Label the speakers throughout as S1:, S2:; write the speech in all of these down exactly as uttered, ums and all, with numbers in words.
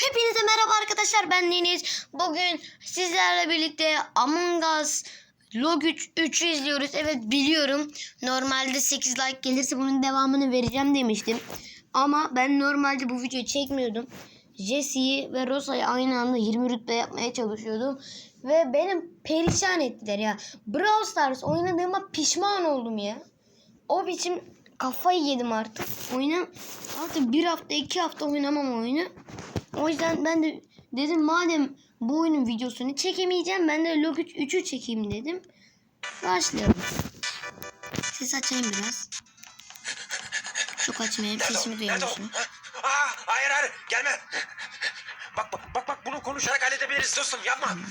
S1: Hepinize merhaba arkadaşlar, ben Deniz. Bugün sizlerle birlikte Among Us Log üç, üçü izliyoruz. Evet biliyorum, normalde sekiz like gelirse bunun devamını vereceğim demiştim. Ama ben normalde bu videoyu çekmiyordum. Jesse'yi ve Rosa'yı aynı anda yirmi rütbe yapmaya çalışıyordum. Ve benim perişan ettiler ya. Brawl Stars oynadığıma pişman oldum ya. O biçim kafayı yedim artık. Oyna artık bir hafta iki hafta oynamam oyunu. O yüzden ben de dedim madem bu oyunun videosunu çekemeyeceğim, ben de Log üçü çekeyim dedim. Başlayalım. Ses açayım biraz. Çok açmayayım, sesimi duyuyorsun.
S2: Aa, hayır hayır gelme. Bak bak bak bak bunu konuşarak halledebiliriz dostum, yapma.
S1: Hmm.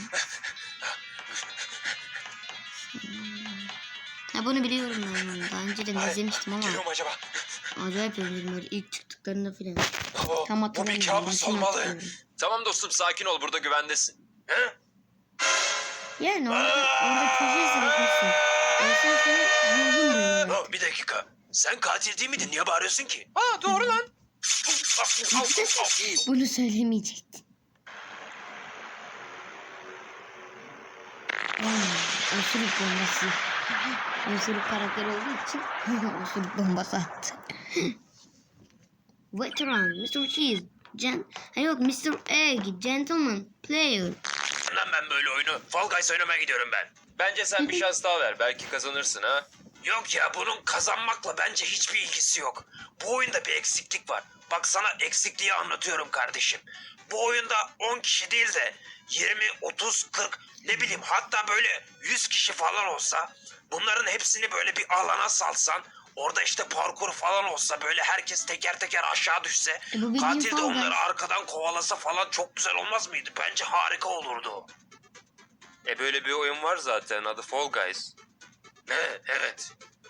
S1: Ha, bunu biliyorum ben. Daha önce de izlemiştim ama.
S2: Geliyor mu acaba?
S1: Acayip özledim böyle ilk çıktıklarında filan.
S2: Oo,
S1: Tam
S2: bu bir
S1: hatırlamıyorum.
S2: kabus
S1: Bütün
S2: olmalı.
S1: hatırlıyorum.
S3: Tamam dostum, sakin ol, burada güvendesin.
S2: He?
S1: Yani orada, orada çocuğu izlemişsin. Ölsen sana ruhun duyuyor.
S2: Oh, bir dakika. Sen katil değil miydin? Niye bağırıyorsun ki?
S3: Aa, doğru lan.
S1: Bunu söylemeyecektin. Hmm, osuruk bombası. Osuruk karakteri olduğu için osuruk bombası attı. Veteran, mister Cheese, Gen... Ha yok, mister Egg, Gentleman, Player.
S2: Lan ben böyle oyunu Fall Guys oynamaya gidiyorum ben.
S3: Bence sen bir şans daha ver, belki kazanırsın ha.
S2: Yok ya, bunun kazanmakla bence hiçbir ilgisi yok. Bu oyunda bir eksiklik var. Bak sana eksikliği anlatıyorum kardeşim. Bu oyunda on kişi değil de yirmi, otuz, kırk ne bileyim hatta böyle yüz kişi falan olsa, bunların hepsini böyle bir alana salsan, orada işte parkur falan olsa, böyle herkes teker teker aşağı düşse,
S1: E bu bildiğin
S2: katil de
S1: Fall Guys.
S2: onları arkadan kovalasa falan çok güzel olmaz mıydı? Bence harika olurdu.
S3: E böyle bir oyun var zaten, adı Fall Guys.
S2: Ne? Evet.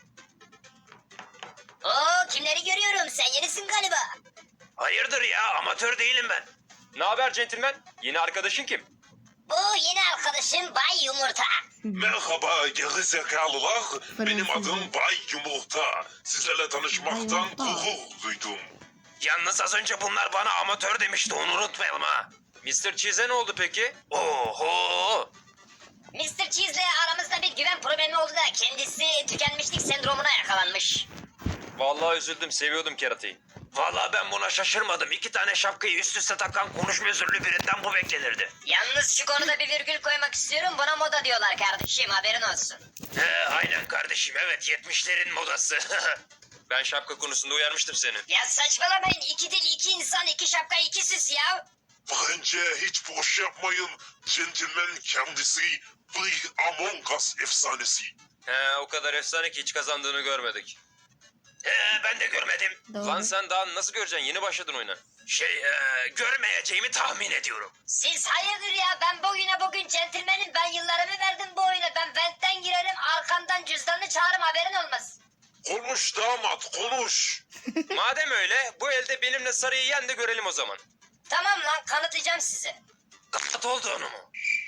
S4: Oo, kimleri görüyorum? Sen yenisin galiba.
S2: Hayırdır ya, amatör değilim ben.
S3: Ne haber centilmen? Yeni arkadaşın kim?
S4: Bu yeni arkadaşım Bay Yumurta.
S5: Merhaba gerizekalılar. Benim
S1: Fransızca.
S5: adım Bay Yumurta. Sizlerle tanışmaktan
S1: Yumurta.
S5: gurur duydum.
S2: Yalnız az önce bunlar bana amatör demişti, onu unutmayalım ha.
S3: mister Cheese'e ne oldu peki?
S2: Oho!
S4: mister Cheese'le aramızda bir güven problemi oldu da kendisi tükenmişlik sendromuna yakalanmış.
S3: Vallahi üzüldüm, seviyordum keratayı.
S2: Vallahi ben buna şaşırmadım. İki tane şapkayı üst üste takan konuşma özürlü birinden bu beklenirdi.
S4: Yalnız şu konuda bir virgül koymak istiyorum. Buna moda diyorlar kardeşim, haberin olsun.
S2: He, aynen kardeşim, evet, yetmişlerin modası.
S3: Ben şapka konusunda uyarmıştım seni.
S4: Ya saçmalamayın. İki dil, iki insan, iki şapka, iki süs ya.
S5: Bence hiç boş yapmayın. Gentleman kendisi bir Among Us efsanesi.
S3: He, o kadar efsane ki hiç kazandığını görmedik.
S2: He, ben de görmedim.
S1: Doğru.
S3: Lan sen daha nasıl göreceksin? Yeni başladın oyuna.
S2: Şey, e, görmeyeceğimi tahmin ediyorum.
S4: Siz hayırdır ya? Ben bu oyuna bugün centilmenim. Ben yıllarımı verdim bu oyuna. Ben ventten girerim, arkandan cüzdanını çağırırım, haberin olmaz.
S5: Konuş damat konuş.
S3: Madem öyle, bu elde benimle sarıyı yen de görelim o zaman.
S4: Tamam lan, kanıtlayacağım size.
S2: Kat olduğunu mu?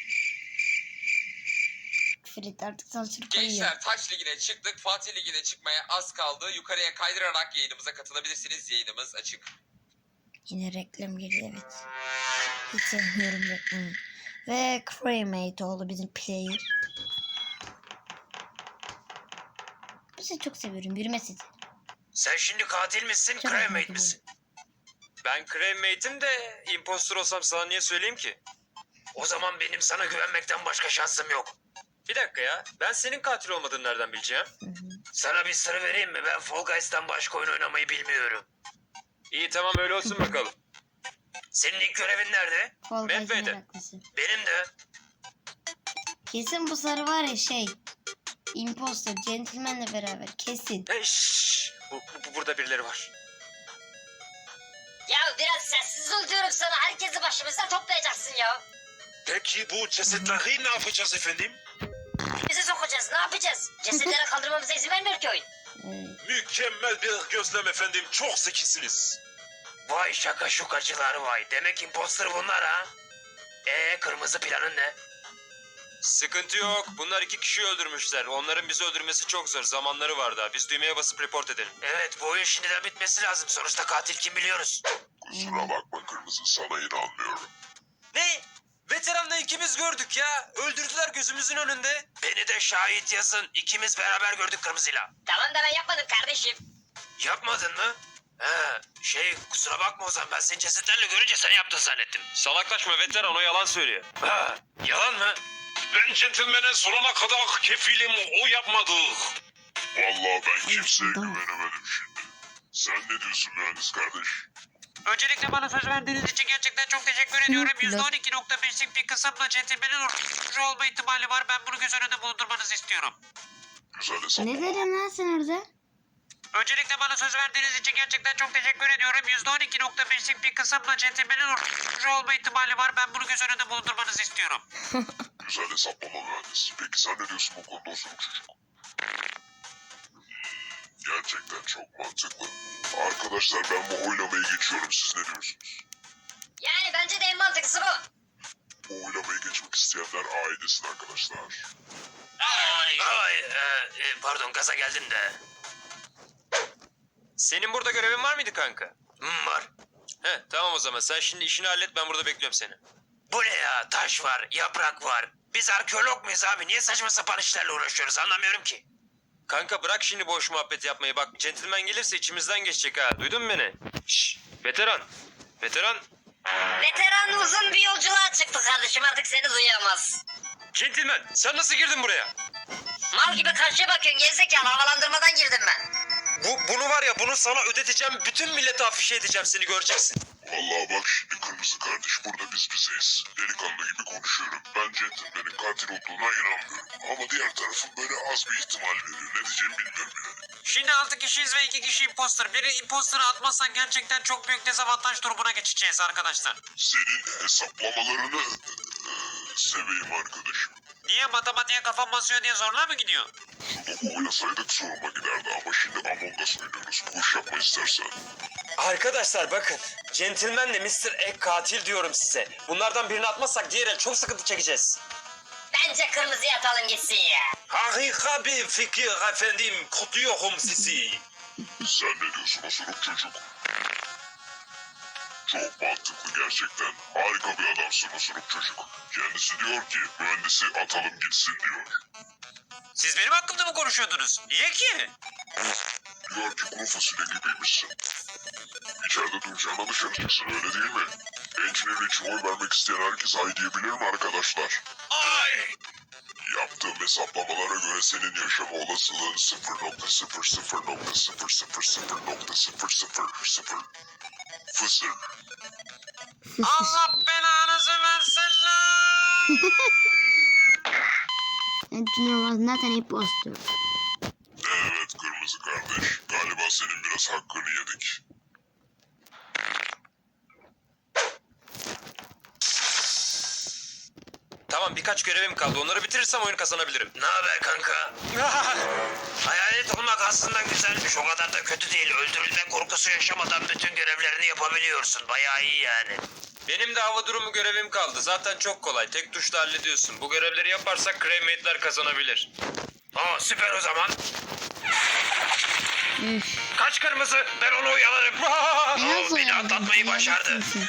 S1: Frit artık salçılık koyuyor.
S6: Gençler Taç Ligi'ne çıktık. Fatih Ligi'ne çıkmaya az kaldı. Yukarıya kaydırarak yayınımıza katılabilirsiniz. Yayınımız açık.
S1: Yine reklam geliyor, evet. Hiç sevmiyorum reklamı. Ve Cremate oldu bizim player. Bu sesi çok seviyorum, yürüme sesi.
S2: Sen şimdi katil misin,
S1: Çok
S2: cremate
S1: merak
S2: misin?
S3: Ben crewmate'im de impostor olsam sana niye söyleyeyim ki?
S2: O zaman benim sana güvenmekten başka şansım yok.
S3: Bir dakika ya, ben senin katil olmadığını nereden bileceğim?
S2: Sana bir sır vereyim mi? Ben Fall Guys'tan başka oyun oynamayı bilmiyorum.
S3: İyi tamam, öyle olsun bakalım.
S2: Senin ilk görevin nerede?
S1: Fall Guys
S3: Medve'de.
S1: meraklısı.
S2: Benim de.
S1: Kesin bu sarı var ya şey. Imposter, Gentleman'le beraber kesin.
S3: Hey, şşş, bu, bu- burada birileri var.
S4: Ya biraz sessiz ol diyorum sana. Herkesi başımıza toplayacaksın ya.
S5: Peki bu cesetleri ne yapacağız efendim?
S4: Bizi sokacağız, ne yapacağız? Cesetleri kaldırmamıza izin vermiyor ki oyun.
S1: Evet.
S5: Mükemmel bir gözlem efendim. Çok zekisiniz.
S2: Vay şaka şukacılar vay. Demek imposter bunlar ha. Ee, kırmızı planın ne?
S3: Sıkıntı yok. Bunlar iki kişiyi öldürmüşler. Onların bizi öldürmesi çok zor. Zamanları var daha. Biz düğmeye basıp report edelim.
S2: Evet bu oyun şimdiden bitmesi lazım. Sonuçta katil kim biliyoruz.
S5: Kusura bakma Kırmızı, sana inanmıyorum.
S3: Ne? Veteranla ikimiz gördük ya. Öldürdüler gözümüzün önünde.
S2: Beni de şahit yazın. İkimiz beraber gördük Kırmızı'yla.
S4: Tamam da ben yapmadım kardeşim.
S2: Yapmadın mı? He, şey kusura bakma o zaman ben seni cesetlerle görünce sen yaptın zannettim.
S3: Salaklaşma veteran, o yalan söylüyor.
S2: Ha, yalan mı?
S5: Ben centilmene sonuna kadar kefilim, o yapmadı. Vallahi ben kimseye güvenemedim şimdi. Sen ne diyorsun mühendis kardeş?
S7: Öncelikle bana söz verdiğiniz için gerçekten çok teşekkür ediyorum.
S1: Yok,
S7: yüzde on iki nokta beşlik bir kısımda centilmenin uğraşıcı olma ihtimali var. Ben bunu göz önünde bulundurmanızı istiyorum.
S5: Güzel
S1: Ne
S5: hesaplama.
S1: dedin lan sen orada?
S7: Öncelikle bana söz verdiğiniz için gerçekten çok teşekkür ediyorum. yüzde on iki nokta beşlik bir kısımda centilmenin uğraşıcı olma ihtimali var. Ben bunu göz önünde bulundurmanızı istiyorum.
S5: Güzel hesaplama mühendis. Peki sen ne diyorsun bu konuda osuruk çocuk? Hmm, Gerçekten çok mantıklı. Arkadaşlar ben bu oylamayı geçiyorum. Siz ne diyorsunuz?
S4: Yani bence de en mantıklısı bu.
S5: Bu oylamayı geçmek isteyenler ailesin arkadaşlar.
S2: Ay, ay e, e, pardon gaza geldin de.
S3: Senin burada görevin var mıydı kanka?
S2: Hmm, var.
S3: He tamam o zaman. Sen şimdi işini hallet, ben burada bekliyorum seni.
S2: Bu ne ya? Taş var, yaprak var. Biz arkeolog muyuz abi? Niye saçma sapan işlerle uğraşıyoruz anlamıyorum ki.
S3: Kanka bırak şimdi boş muhabbet yapmayı. Bak centilmen gelirse içimizden geçecek ha. Duydun mu beni? Şşş veteran. Veteran.
S4: Veteran uzun bir yolculuğa çıktı kardeşim, artık seni duyamaz.
S3: Centilmen sen nasıl girdin buraya?
S4: Mal gibi karşıya bakıyorsun gerizekalı, havalandırmadan girdim ben.
S3: Bu, bunu var ya bunu sana ödeteceğim. Bütün millete afişe edeceğim, seni göreceksin.
S5: Vallahi bak şimdi Kırmızı kardeş, burada biz bizeyiz. Delikanlı gibi konuşuyorum. Ben centilmenin katil olduğuna inanmıyorum. Ama diğer tarafın böyle az bir ihtimal veriyor. Ne diyeceğimi bilmiyorum yani.
S7: Şimdi altı kişiyiz ve iki kişi imposter. Biri imposter'ı atmazsan gerçekten çok büyük dezavantaj durumuna geçeceğiz arkadaşlar.
S5: Senin hesaplamalarını eee, seveyim arkadaşım.
S7: Niye matematiğe kafam basıyor diye zorla mı gidiyor?
S5: Sudoku oynasaydık soruma giderdi ama şimdi Among Us oynuyoruz. Bu iş yapma istersen.
S3: Arkadaşlar bakın. Centilmenle mister Egg katil diyorum size. Bunlardan birini atmazsak diğer el çok sıkıntı çekeceğiz.
S4: Bence kırmızıya atalım gitsin ya.
S3: Harika bir fikir efendim. Kutluyorum sizi.
S5: Sen ne diyorsun osuruk çocuk? Çok mantıklı gerçekten. Harika bir adamsın osuruk çocuk. Kendisi diyor ki mühendisi atalım gitsin diyor.
S7: Siz benim hakkımda mı konuşuyordunuz? Niye ki?
S5: Diyor ki kuru fasulye gibiymişsin. İçeride duracağına dışarı çıksın öyle değil mi? Engineer için oy vermek isteyen herkes ay diyebilir mi arkadaşlar?
S3: Ay!
S5: Yaptığım hesaplamalara göre senin yaşama olasılığın sıfır nokta sıfır sıfır nokta sıfır sıfır sıfır nokta sıfır sıfır sıfır fısır.
S7: Allah belanızı versin lan!
S1: Anthony was not an imposter.
S5: Evet kırmızı kardeş. Galiba senin biraz hakkını yedik.
S3: Tamam birkaç görevim kaldı. Onları bitirirsem oyunu kazanabilirim.
S2: Ne haber kanka? Hayalet olmak aslında güzelmiş. O kadar da kötü değil. Öldürülme korkusu yaşamadan bütün görevlerini yapabiliyorsun. Bayağı iyi yani.
S3: Benim de hava durumu görevim kaldı. Zaten çok kolay. Tek tuşla hallediyorsun. Bu görevleri yaparsak crewmate'ler kazanabilir.
S2: Aa süper o zaman.
S1: Üf.
S2: Kaç kırmızı? Ben onu uyalarım.
S1: Nasıl
S2: Beni
S1: yani?
S2: atlatmayı başardı.
S1: Yaratıksın.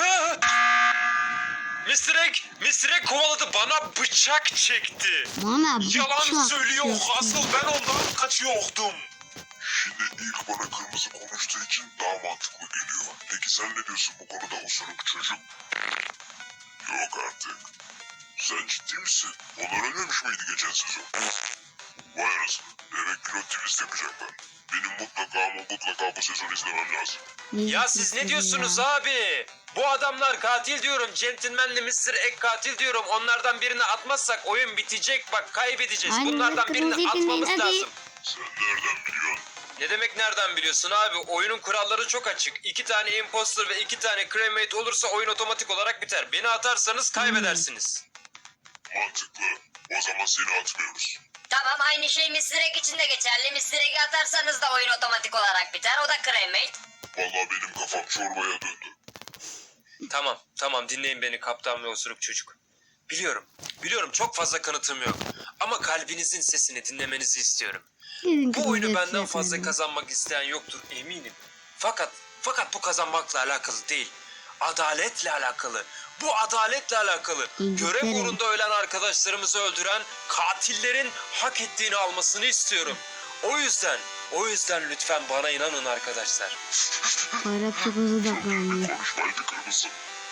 S3: mister Egg, mister Egg kovaladı. Bana bıçak çekti.
S1: Bana bıçak
S3: Yalan söylüyor.
S1: çekti.
S3: Asıl ben ondan kaçıyordum.
S5: Şimdi ilk bana kırmızı konuştuğu için daha mantıklı geliyor. Peki sen ne diyorsun bu konuda osuruk çocuk? Yok artık. Sen ciddi misin? Onlar ölmemiş miydi geçen sezon? Vay anasını. Demek pilot twist yapacaklar. Benim mutlaka ama mutlaka bu sezon izlemem lazım.
S3: Ya siz ne diyorsunuz abi? Bu adamlar katil diyorum. Gentleman'le mister Egg katil diyorum. Onlardan birini atmazsak oyun bitecek. Bak kaybedeceğiz.
S1: Aynen,
S3: Bunlardan birini
S1: kırmızıyı
S3: atmamız
S1: dinleyin, hadi.
S3: lazım.
S5: Sen nereden biliyorsun?
S3: Ne demek nereden biliyorsun abi? Oyunun kuralları çok açık. İki tane imposter ve iki tane crewmate olursa oyun otomatik olarak biter. Beni atarsanız kaybedersiniz.
S5: Mantıklı. O zaman seni atmıyoruz.
S4: Tamam, aynı şey mister Egg için de geçerli. mister Egg'i atarsanız da oyun otomatik olarak biter. O da crewmate.
S5: Vallahi benim kafam çorbaya döndü.
S3: Tamam, tamam dinleyin beni kaptan ve osuruk çocuk. Biliyorum. Biliyorum çok fazla kanıtım yok. Ama kalbinizin sesini dinlemenizi istiyorum.
S1: Gidin
S3: Bu
S1: kızım,
S3: oyunu benden
S1: yapacağız
S3: fazla
S1: yani.
S3: kazanmak isteyen yoktur eminim. Fakat fakat bu kazanmakla alakalı değil. Adaletle alakalı. Bu adaletle alakalı.
S1: İngiltere.
S3: Görev uğrunda ölen arkadaşlarımızı öldüren katillerin hak ettiğini almasını istiyorum. O yüzden, o yüzden lütfen bana inanın arkadaşlar.
S1: Bayrak çok hızlı odaklanıyor.
S5: Konuşmaydı kırmızı.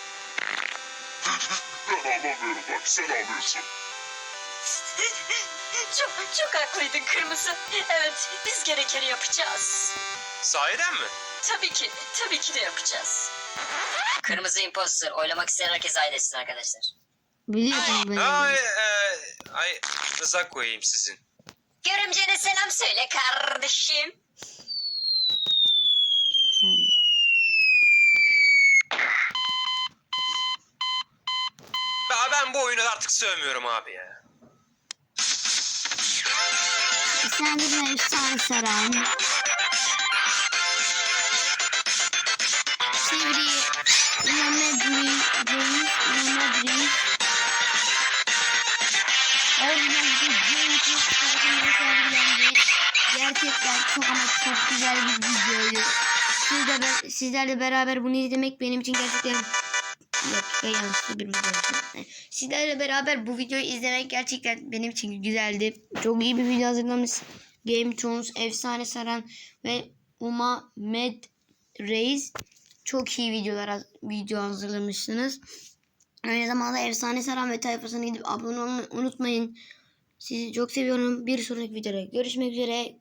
S5: Ben anlamıyorum bak sen ağlıyorsun.
S8: Çok çok haklıydın Kırmızı. Evet, biz gerekeni yapacağız.
S3: Sahiden mi?
S8: Tabii ki, tabii ki de yapacağız.
S4: Kırmızı imposter. Oylamak isteyen herkes ailesin arkadaşlar.
S1: Biliyorsun ben.
S3: Ay, e, ay, rıza koyayım sizin.
S8: Görümcene selam söyle kardeşim.
S3: Ben, ben bu oyunu artık sevmiyorum abi ya.
S1: Sen de ben efsane saran. Çeviri. Mehmet Reis. Mehmet Reis. Orijinal bir James tarafından sergilendi. Gerçekten çok ama çok güzel bir videoydu. Siz de ben, sizlerle beraber bunu izlemek benim için gerçekten yok yanlışlıkla bir video oldu. Sizlerle beraber bu videoyu izlemek gerçekten benim için güzeldi. Çok iyi bir video hazırlamış. Game Thrones, Efsane Saran ve Uma Med Reis çok iyi videolar video hazırlamışsınız. Aynı zamanda Efsane Saran ve tayfasına gidip abone olmayı unutmayın. Sizi çok seviyorum. Bir sonraki videoda görüşmek üzere.